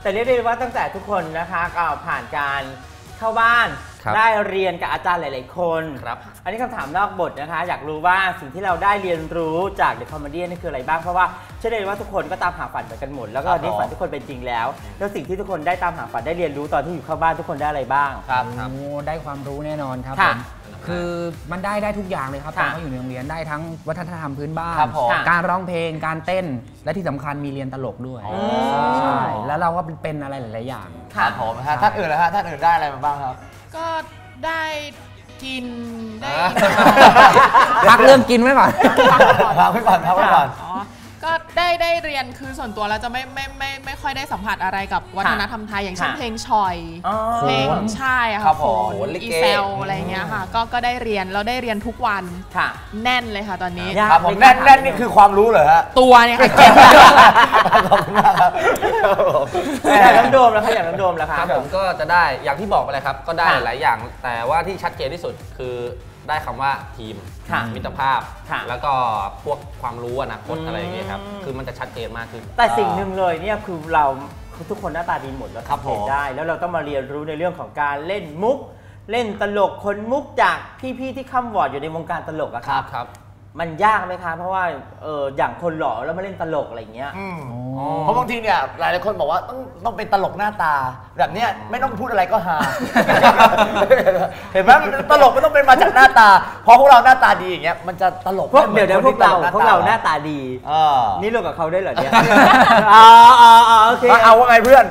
แต่เรียกได้ว่าตั้งแต่ทุกคนนะคะก็ผ่านการเข้าบ้านได้เรียนกับอาจารย์หลายๆคนครับอันนี้คำถามนอกบทนะคะอยากรู้ว่าสิ่งที่เราได้เรียนรู้จาก The Comedian นี่คืออะไรบ้างเพราะว่าเชื่อได้ว่าทุกคนก็ตามหาฝันเหมือนกันหมดแล้วก็นี่ฝันทุกคนเป็นจริงแล้วสิ่งที่ทุกคนได้ตามหาฝันได้เรียนรู้ตอนที่อยู่เข้าบ้านทุกคนได้อะไรบ้างครับได้ความรู้แน่นอนครับผมคือมันได้ทุกอย่างเลยครับตอนเขาอยู่ในโรงเรียนได้ทั้งวัฒนธรรมพื้นบ้านการร้องเพลงการเต้นและที่สำคัญมีเรียนตลกด้วยใช่แล้วเราก็เป็นอะไรหลายๆอย่างครับผมท่านอื่นแล้วฮะท่านอื่นได้อะไรมาบ้างครับก็ได้กินได้พักเรื่องกินไว้ก่อนพักไว้ก่อนก็ได้เรียนคือส่วนตัวแล้วจะไม่ค่อยได้สัมผัสอะไรกับวัฒนธรรมไทยอย่างเช่นเพลงชอยเพลงใช่ค่ะโขนอีเซลอะไรเงี้ยค่ะก็ได้เรียนเราได้เรียนทุกวันแน่นเลยค่ะตอนนี้ครับผมแน่นนี่คือความรู้เหรอฮะตัวเนี่ยค่ะเก่งขอบคุณมากครับน้ำโดมแล้วค่ะอย่างน้ำโดมแล้วครับผมก็จะได้อย่างที่บอกไปเลยครับก็ได้หลายอย่างแต่ว่าที่ชัดเจนที่สุดคือได้คำว่าทีมมิตรภาพแล้วก็พวกความรู้อนาคตอะไรอย่างเงี้ยครับคือมันจะชัดเจนมากขึ้นแต่สิ่งหนึ่งเลยเนี่ยคือเราทุกคนหน้าตาดีหมดแล้วทำเพลงได้แล้วเราต้องมาเรียนรู้ในเรื่องของการเล่นมุกเล่นตลกคนมุกจากพี่ๆที่ค้ำวอร์ดอยู่ในวงการตลกอะครับมันยากไหมคะเพราะว่าอย่างคนหล่อแล้วมาเล่นตลกอะไรอย่างเงี้ยเพราะบางทีเนี่ยหลายคนบอกว่าต้องเป็นตลกหน้าตาแบบเนี้ยไม่ต้องพูดอะไรก็ฮาเห็นไหมตลกไม่ต้องเป็นมาจากหน้าตาเพราะพวกเราหน้าตาดีอย่างเงี้ยมันจะตลกเดี๋ยวพวกเราหน้าตาดีนี่รวมกับเขาได้เหรอเนี่ยโอเคเอาว่าไงเพื่อน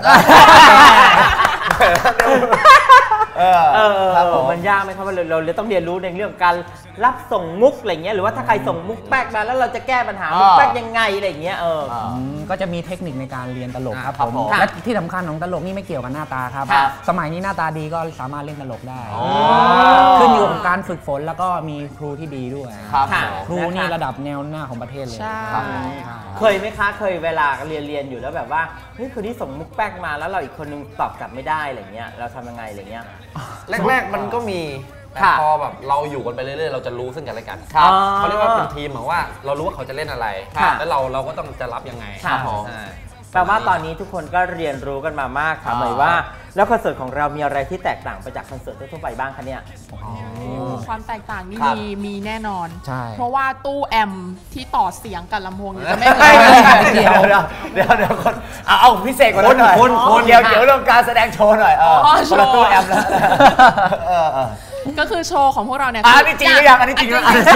มันยากไหมครับว่าเราต้องเรียนรู้ในเรื่องการรับส่งมุกอะไรเงี้ยหรือว่าถ้าใครส่งมุกแป๊กมาแล้วเราจะแก้ปัญหามุกแป๊กยังไงอะไรเงี้ยก็จะมีเทคนิคในการเรียนตลกครับผมและที่สำคัญของตลกนี่ไม่เกี่ยวกับหน้าตาครับสมัยนี้หน้าตาดีก็สามารถเล่นตลกได้ขึ้นอยู่กับการฝึกฝนแล้วก็มีครูที่ดีด้วยครูนี่ระดับแนวหน้าของประเทศเลยเคยไหมคะเคยเวลาเรียนอยู่แล้วแบบว่าเฮ้ยคนนี้ส่งมุกแป๊กมาแล้วเราอีกคนนึงตอบกลับไม่ได้อะไรเงี้ยเราทำยังไงอะไรเงี้ยแรกๆมันก็มีแต่พอแบบเราอยู่กันไปเรื่อยๆเราจะรู้ซึ่งกันและกันเขาเรียกว่าเป็นทีมเหมือนว่าเรารู้ว่าเขาจะเล่นอะไรแล้วเราก็ต้องจะรับยังไงแปลว่าตอนนี้ทุกคนก็เรียนรู้กันมามากค่ะหมายว่าแล้วคอนเสิร์ตของเรามีอะไรที่แตกต่างไปจากคอนเสิร์ตทั่วไปบ้างคะเนี่ยความแตกต่างนี่มีแน่นอนเพราะว่าตู้แอมที่ต่อเสียงกับลำโพงจะไม่เดี๋ยวคนเอาพิเศษกว่านั้นหน่อยเดี๋ยวเรื่องการแสดงโชว์หน่อยคนละตู้แอมแล้วก็คือโชว์ของพวกเราเนี่ยอันนี้จริงหรือยังอันนี้จริงหรือยัง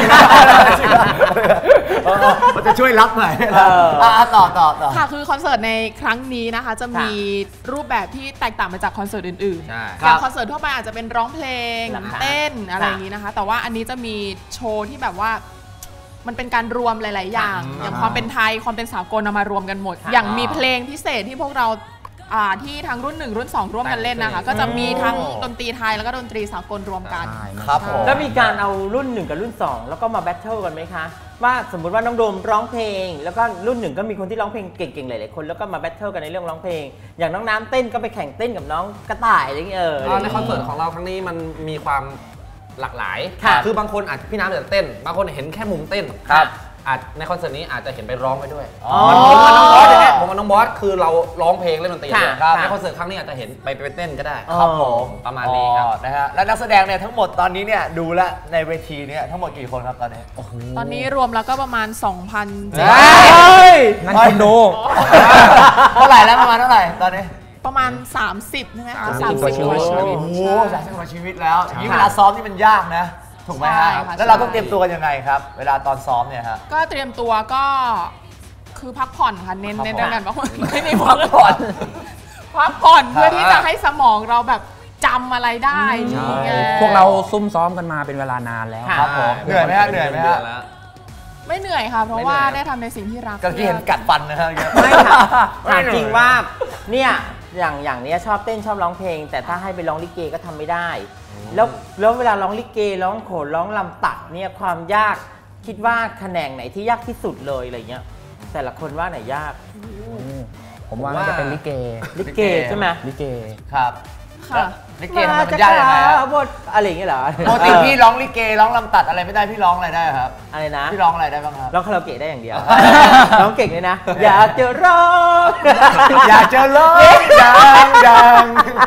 มันจะช่วยรับหน่อยต่อค่ะคือคอนเสิร์ตในครั้งนี้นะคะจะมีรูปแบบที่แตกต่างไปจากคอนเสิร์ตอื่นๆอย่างคอนเสิร์ตทั่วไปอาจจะเป็นร้องเพลงเต้นอะไรอย่างนี้นะคะแต่ว่าอันนี้จะมีโชว์ที่แบบว่ามันเป็นการรวมหลายๆอย่างอย่างความเป็นไทยความเป็นสากลเอามารวมกันหมดอย่างมีเพลงพิเศษที่พวกเราที่ทั้งรุ่น1รุ่น2ร่วมกันเล่นนะคะก็จะมีทั้งดนตรีไทยแล้วก็ดนตรีสากลรวมกันครับแล้วมีการเอารุ่น1กับรุ่น2แล้วก็มาแบทเทิลกันไหมคะว่าสมมุติว่าน้องโดมร้องเพลงแล้วก็รุ่น1ก็มีคนที่ร้องเพลงเก่งๆหลายๆคนแล้วก็มาแบทเทิลกันในเรื่องร้องเพลงอย่างน้องน้ำเต้นก็ไปแข่งเต้นกับน้องกระต่ายอะไรอย่างเงี้ยในคอนเสิร์ตของเราครั้งนี้มันมีความหลากหลายคือบางคนอาจพี่น้ำจะเต้นบางคนเห็นแค่มุมเต้นในคอนเสิร์ตนี้อาจจะเห็นไปร้องไปด้วยผมกับน้องบอสเนี่ยผมกับน้องบอสคือเราร้องเพลงเล่นดนตรีในคอนเสิร์ตครั้งนี้อาจจะเห็นไปเต้นก็ได้ครับผมประมาณนี้ครับนะฮะและนักแสดงเนี่ยทั้งหมดตอนนี้เนี่ยดูแลในเวทีเนี่ยทั้งหมดกี่คนครับตอนนี้ตอนนี้รวมแล้วก็ประมาณ 2,000 นั่นคุณดูเท่าไหร่แล้วประมาณเท่าไหร่ตอนนี้ประมาณ30ใช่ไหม 30 กว่าชีวิตโอ้โห30 กว่าชีวิตแล้วอย่างนี้เวลาซ้อมนี่มันยากนะถูกไหมฮะแล้วเราต้องเตรียมตัวยังไงครับเวลาตอนซ้อมเนี่ยฮะก็เตรียมตัวก็คือพักผ่อนค่ะเน้นเรื่องการพักผ่อนไม่ได้พักผ่อนเพื่อที่จะให้สมองเราแบบจำอะไรได้พวกเราซุ่มซ้อมกันมาเป็นเวลานานแล้วครับผมเหนื่อยไหมฮะไม่เหนื่อยค่ะเพราะว่าได้ทำในสิ่งที่รักก็ที่เห็นกัดฟันนะฮะไม่ค่ะถามจริงว่าเนี่ยอย่างนี้ชอบเต้นชอบร้องเพลงแต่ถ้าให้ไปร้องลิเกก็ทำไม่ได้แล้วเวลาร้องลิเกร้องโขนร้องลำตัดเนี่ยความยากคิดว่าแขนงไหนที่ยากที่สุดเลยอะไรเงี้ยแต่ละคนว่าไหนยากผมว่าน่าจะเป็นลิเกใช่ไหมลิเกครับค่ะลิเกมันยากยังไงครับบทอะไรอย่างเงี้ยเหรอปกติพี่ร้องลิเกร้องลำตัดอะไรไม่ได้พี่ร้องอะไรได้ครับอะไรนะพี่ร้องอะไรได้บ้างครับร้องคาราโอเกะได้อย่างเดียว ร้องเก่งเลยนะ อยากจะร้องอยากจะร้องดัง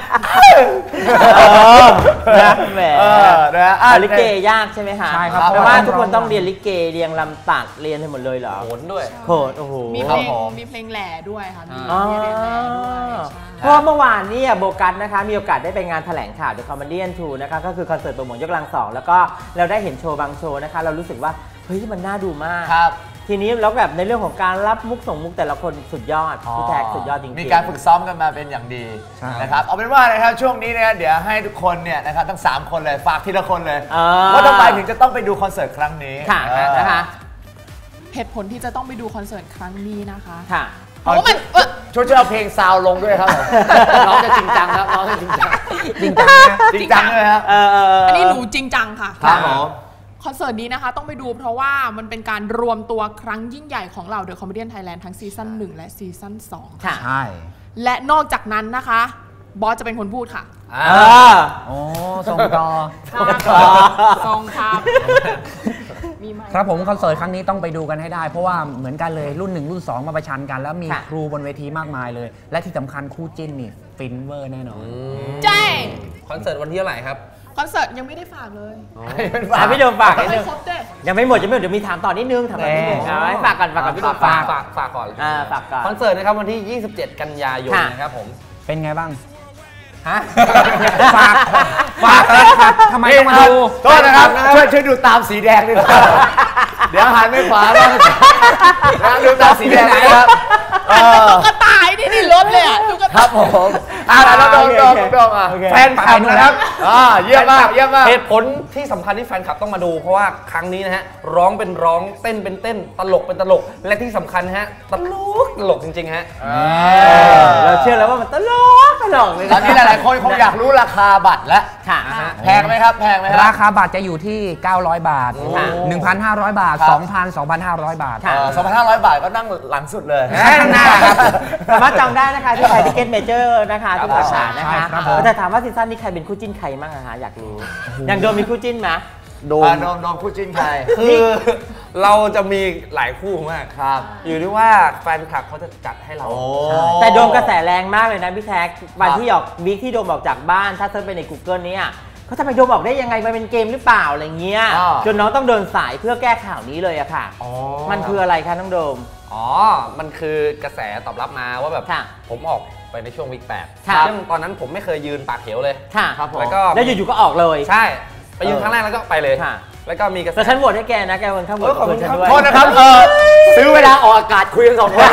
นะแหมนะลิเกยากใช่ไหมคะใช่ครับเพราะว่าทุกคนต้องเรียนลิเกเรียงลำตัดเรียนให้หมดเลยเหรอโหนด้วยโหดโอ้โหมีเพลงแหล่ด้วยค่ะมีเรียนแหล่ด้วยใช่เพราะเมื่อวานเนี่ยโบกัสนะคะมีโอกาสได้ไปงานแถลงข่าว The Comedian 2 นะคะก็คือคอนเสิร์ตโปรโมทยกกำลังสองแล้วก็เราได้เห็นโชว์บางโชว์นะคะเรารู้สึกว่าเฮ้ยมันน่าดูมากครับทีนี้แล้วแบบในเรื่องของการรับมุกส่งมุกแต่ละคนสุดยอดพี่แท็กสุดยอดจริงๆมีการฝึกซ้อมกันมาเป็นอย่างดีใช่นะครับเอาเป็นว่านะครับช่วงนี้เนี่ยเดี๋ยวให้ทุกคนเนี่ยนะครับทั้ง3คนเลยฝากทีละคนเลยาว่าทำไมถึงจะต้องไปดูคอนเสิร์ตครั้งนี้ค่ะนะคะเหตุผลที่จะต้องไปดูคอนเสิร์ตครั้งนี้นะคะค่ะเพราะว่ามันช่วยเอาเพลงซาวลงด้วยครับผมน้องจะจริงจังครับน้องจะจริงจังจริงจังนะจริงจังเลยครับอันนี้หนูจริงจังค่ะครับผมคอนเสิร์ตนี้นะคะต้องไปดูเพราะว่ามันเป็นการรวมตัวครั้งยิ่งใหญ่ของเรา The Comedian Thailand ทั้งซีซั่น1และซีซั่น2 ค่ะใช่และนอกจากนั้นนะคะบอสจะเป็นคนพูดค่ะโอ้ส่งต่อซองครับมีไหมครับผมคอนเสิร์ตครั้งนี้ต้องไปดูกันให้ได้ เพราะว่าเหมือนกันเลยรุ่น 1 รุ่น 2 มาประชันกัน แล้วมีค่ะครูบนเวทีมากมายเลย และที่สำคัญคู่จิ้นนี่ฟินเวอร์แน่นอนใช่คอนเสิร์ตวันที่เท่าไหร่ครับคอนเสิร์ตยังไม่ได้ฝากเลยพี่โดมฝากนิดไม่นึงครบเด้ยังไม่หมดเดี๋ยวมีถามต่อนิดนึงถามต่อนิดนึงแหมเอาให้ฝากก่อนพี่โดมฝากฝากก่อนฝากก่อนคอนเสิร์ตนะครับวันที่ 27 กันยายนค่ะนะครับผมเป็นไงบ้างฮะฝากแล้วครับทำไมต้องมาดูโทษนะครับช่วยดูตามสีแดงด้วยนะครับเดี๋ยวหันไม่ขวาบ้างดูตามสีแดงนะครับตุ๊กตาไอ้นี่รถเลยอ่ะตุ๊กคตารับผมแล้วดองอ่ะโอเคแฟนคลับนะครับเยี่ยมมากเยี่ยมมากเหตุผลที่สำคัญที่แฟนคลับต้องมาดู เพราะว่าครั้งนี้นะฮะร้องเป็นร้องเต้นเป็นเต้นตลกเป็นตลก และที่สำคัญนะฮะตลกจริงๆฮะเราเชื่อแล้วว่ามันตลกเลยตอนนี้หลายๆคนคงอยากรู้ราคาบัตรแล้วค่ะแพงไหมครับแพงไหมครารับคาบัตรจะอยู่ที่ 900 บาทค่ะ 1,500 บาทครับ 2,000 2,500 บาทค่ะ 2,500 บาทก็นั่งหลังสุดเลยข้างหน้าครับสามารถจองได้นะคะที่ไทยทิเก็ตเมเจอร์นะคะทุกสาขานะใช่คะครับผมแต่ถามว่าซีซั่นนี้ใครเป็นคู่จิ้นใครบ้างอะคะอยากรู้อย่างโดมมีคู่จิ้นไหมโดโดมคู่จิ้นใครคือเราจะมีหลายคู่มากครับอยู่ที่ว่าแฟนคลับเขาจะจัดให้เราแต่โดมกระแสแรงมากเลยนะพี่แท็กวันที่ออกวีคที่โดมออกจากบ้านถ้าเซิร์ชไปใน Google เนี่ยเขาจะไปโดมออกได้ยังไงมันเป็นเกมหรือเปล่าอะไรเงี้ยจนน้องต้องเดินสายเพื่อแก้ข่าวนี้เลยอะค่ะมันคืออะไรคะน้องโดมอ๋อ มันคือกระแสตอบรับมาว่าแบบค่ะผมออกไปในช่วงวีคค่ะ 8ซึ่งตอนนั้นผมไม่เคยยืนปากเหวเลยค่ะครับผมแล้วอยู่ๆก็ออกเลยใช่ ไปยืนครั้งแรกแล้วก็ไปเลยค่ะแล้วก็มีกระแสแต่ฉันโหวตให้แกนะแกเป็นข้างบนขอบคุณฉันครับด้วยโทษนะครับซื้อเวลาออกอากาศคุยกัน2 คน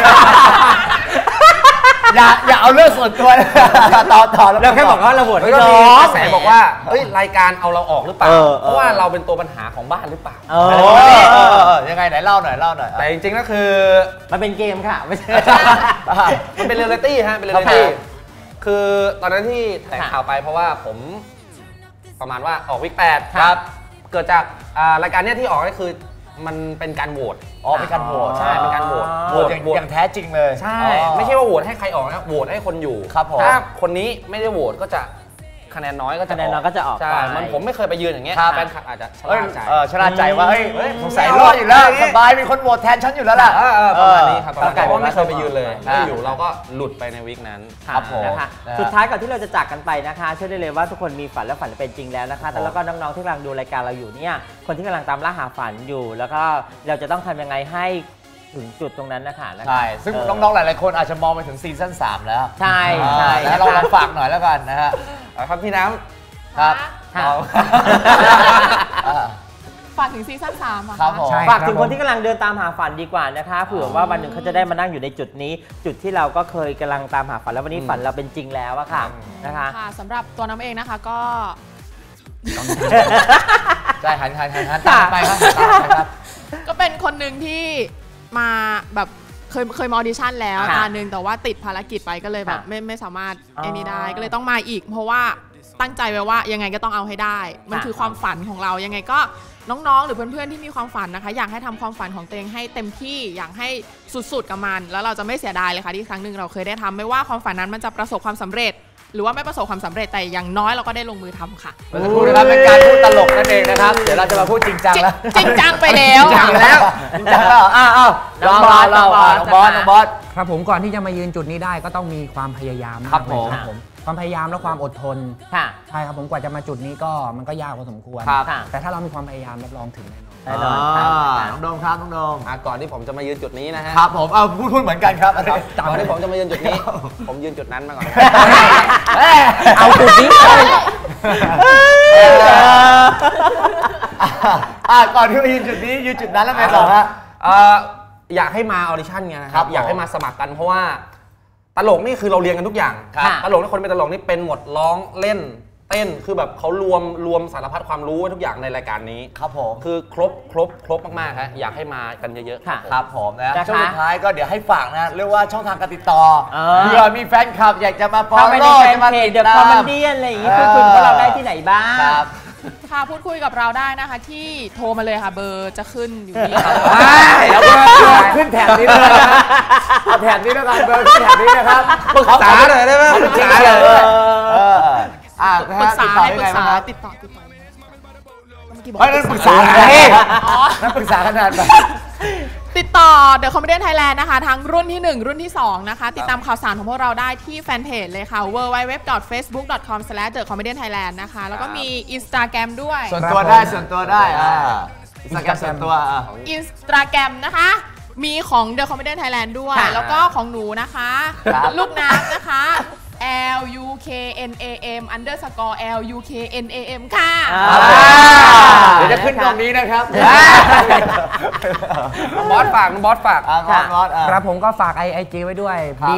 อย่าเอาเรื่องส่วนตัวต่อเราแค่บอกว่าเราโหวตแล้ให้วก็น้มีอก งระแสบอกว่าเฮ้ยรายการเอาเราออกหรือเปล่าเออเพราะว่าเราเป็นตัวปัญหาของบ้านหรือเปล่ายังไงไหนเล่าหน่อยแต่จริงๆก็คือมันเป็นเกมค่ะไม่ใช่มันเป็นเรียลลิตี้ฮะ เป็นเรียลลิตี้ คือตอนนั้นที่แถลงข่าวไปเพราะว่าผมประมาณว่าออกวิก8 ครับเกิดจากรายการเนี้ยที่ออกก็คือมันเป็นการโหวตเป็นการโหวตใช่เป็นการโหวตโหวตอย่างแท้จริงเลยใช่ ไม่ใช่ว่าโหวตให้ใครออกนะโหวตให้คนอยู่ครับผมถ้าคนนี้ไม่ได้โหวตก็จะคะแนนน้อยก็จะคะแนนน้อยก็จะออกใช่ไปมันผมไม่เคยไปยืนอย่างเงี้ยครับแฟนคลับอาจจะชะเอ้ยล่าใจชนะใจว่าเฮ้ยเฮ้ยสงสัยรอดอยู่แล้วสบายมีคนโหวตแทนฉันอยู่แล้วล่ะประมาณนี้ครับประมาณกลายนี้เป็นเพราะไม่เคยไปยืนเลยอ่าอยู่เราก็หลุดไปในวีคนั้นครับผมนะคะนะฮะสุดท้ายก่อนที่เราจะจากกันไปนะคะเชื่อได้เลยว่าทุกคนมีฝันและฝันเป็นจริงแล้วนะคะแต่แล้วก็น้องๆที่กำลังดูรายการเราอยู่เนี่ยคนที่กำลังตามล่าหาฝันอยู่ แล้วก็เราจะต้องทำยังไงให้ถึงจุดตรงนั้นนะคะใช่ ซึ่งน้องๆ หลายๆ คนอาจจะมองไปถึงซีซั่น3แล้วใช่ใช่แล้วเราลองฝากหน่อยแล้วกันนะฮะครับพี่น้ครับค่ะฝากถึงซีซั่น3อ่ะครับผมใช่ฝากถึงคนที่กำลังเดินตามหาฝันดีกว่านะคะเผื่อว่าวันหนึ่งเขาจะได้มานั่งอยู่ในจุดนี้ จุดที่เราก็เคยกำลังตามหาฝันแล้ววันนี้ฝันเราเป็นจริงแล้วอะค่ะนะคะค่ะสำหรับตัวน้ำเองนะคะก็ใช่หันตามไปครับตามไปครับก็เป็นคนหนึ่งที่มาแบบเคยมาออดิชั่นแล้วค่ะตาหนึ่งแต่ว่าติดภารกิจไปก็เลยแบบค่ะไม่สามารถอ๋อไอ้นี่ได้ก็เลยต้องมาอีก เพราะว่าตั้งใจไว้ว่ายังไงก็ต้องเอาให้ได้ มันค่ะคือความฝันของเรายังไงก็น้องๆ หรือเพื่อนๆที่มีความฝันนะคะ อยากให้ทำความฝันของตัวเองให้เต็มที่อยากให้สุดๆกับมัน แล้วเราจะไม่เสียดายเลยค่ะที่ครั้งหนึ่งเราเคยได้ทำไม่ว่าความฝันนั้นมันจะประสบความสำเร็จหรือว่าไม่ประสบความสำเร็จแต่อย่างน้อยเราก็ได้ลงมือทำค่ะเมื่อสักครู่นะครับเป็นการพูดตลกนั่นเองนะครับเดี๋ยวเราจะมาพูดจริงจังแล้วจริงจังไปแล้วจริงจังแล้วจริงจังแล้วอ้าวน้องบอสน้องบอสครับผมก่อนที่จะมายืนจุดนี้ได้ก็ต้องมีความพยายามากเลยครับผมความพยายามและความอดทนค่ะใช่ครับผมกว่าจะมาจุดนี้ก็มันก็ยากพอสมควรครับแต่ถ้าเรามีความพยายามรับรองถึงแน่นอนแน่นอนครับน้องโดมครับน้องโดมก่อนที่ผมจะมายืนจุดนี้นะฮะครับผมเอาพูดเหมือนกันครับก่อนที่ผมจะมายืนจุดนี้ ผมยืนจุดนั้นมาก่อนเอาจุดนี้ก่อนที่จะยืนจุดนี้ยืนจุดนั้นแล้วไงต่อฮะอยากให้มาออดิชั่นไงนะคครัรับบอยากให้มาสมัครกันเพราะว่าตลกนี่คือเราเรียนกันทุกอย่างครับตลกนี่คนเป็นตลกนี่เป็นหมดร้องเล่นเต้นคือแบบเขารวมสารพัดความรู้ไว้ทุกอย่างในรายการนี้ครับผมคือครบมากๆฮะอยากให้มากันเยอะๆค่ะครับผมนะนะคะช่วงสุดท้ายก็เดี๋ยวให้ฝากนะเรียกว่าช่องทางการติดต่อเออเผื่อมีแฟนคลับอยากจะมาฟอลเข้าไปในโล่แฟนจะมาเพจติดเดอะตาคอมเมมดี้อะไรอย่างงี้คุยกับเราได้ที่ไหนบ้างครับค่ะพูดคุยกับเราได้นะคะที่โทรมาเลยค่ะเบอร์จะขึ้นอยู่นี่ค่ะแล้วก็ขึ้นแถบนี้เลยนะเอาแถบนี้แล้วกันเบอร์ขึ้นแถบนี้นะครับปรึกษาหน่อยได้ไหมปรึกษาปรึกษาเลยปรึกษาให้ปรึกษาติดติดต่อเมื่อกี้บอกเฮ้ยนั่นปรึกษาไงอ๋อนั่นปรึกษาขนาดแบบติดต่อ The Comedian Thailand นะคะ ทั้งรุ่นที่ 1 รุ่นที่ 2 นะคะ ติดตามข่าวสารของพวกเราได้ที่แฟนเพจเลยค่ะ www.facebook.com/thecomedianthailand นะคะ แล้วก็มี Instagram ด้วยส่วนตัวได้ส่วนตัวได้อินสตาแกรมส่วนตัว Instagram นะคะ มีของ The Comedian Thailand ด้วยค่ะแล้วก็ของหนูนะคะครับลูกน้ำนะคะ LUKNAM_LUKNAM ค่ะเดี๋ยวจะขึ้นตรงนี้นะครับบอสฝากบอสฝากบอสครับผมก็ฝาก IG ไว้ด้วยครับ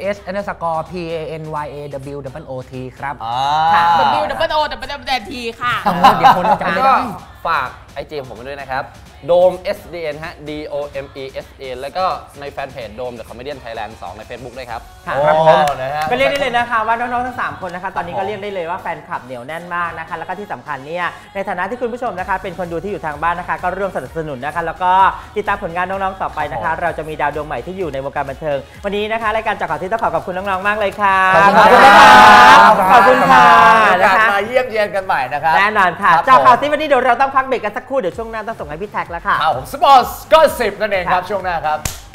BOSS_PANYAWOOT ครับ WWOWT ค่ะเดี๋ยวคนจะจำไม่ก็ได้ฝากไอจีผมไปด้วยนะครับโดม SDN ฮะ DOMESN แล้วก็ในแฟนเพจโดม The Comedian Thailand 2 ใน Facebook ด้วยครับค่ะครับผมนะฮะก็เรียกได้เลยนะคะว่าน้องๆทั้ง3คนนะคะตอนนี้ก็เรียกได้เลยว่าแฟนคลับเหนียวแน่นมากนะคะแล้วก็ที่สำคัญเนี่ยในฐานะที่คุณผู้ชมนะคะเป็นคนดูที่อยู่ทางบ้านนะคะก็ร่วมสนับสนุนนะคะแล้วก็ติดตามผลงานน้องๆต่อไปนะคะ เราจะมีดาวดวงใหม่ที่อยู่ในวงการบันเทิงวันนี้นะคะรายการจากข่าวที่ต้องขอบคุณน้องๆมากเลยค่ะขอบคุณนะครัคะบขอบคุณค่ะนะนะคะมาเยี่ยมเยียนกันใหม่นะครับแน่นอนค่ะครับจากข่าวที่วันนี้เดี๋ยวเราต้องพักเบรกกันสักครู่เดี๋ยวช่วงหน้าต้องส่งให้พี่แท็กแล้วค่ะข่าวผมสปอร์ตก็10นั่นเองครับช่วงหน้าครับ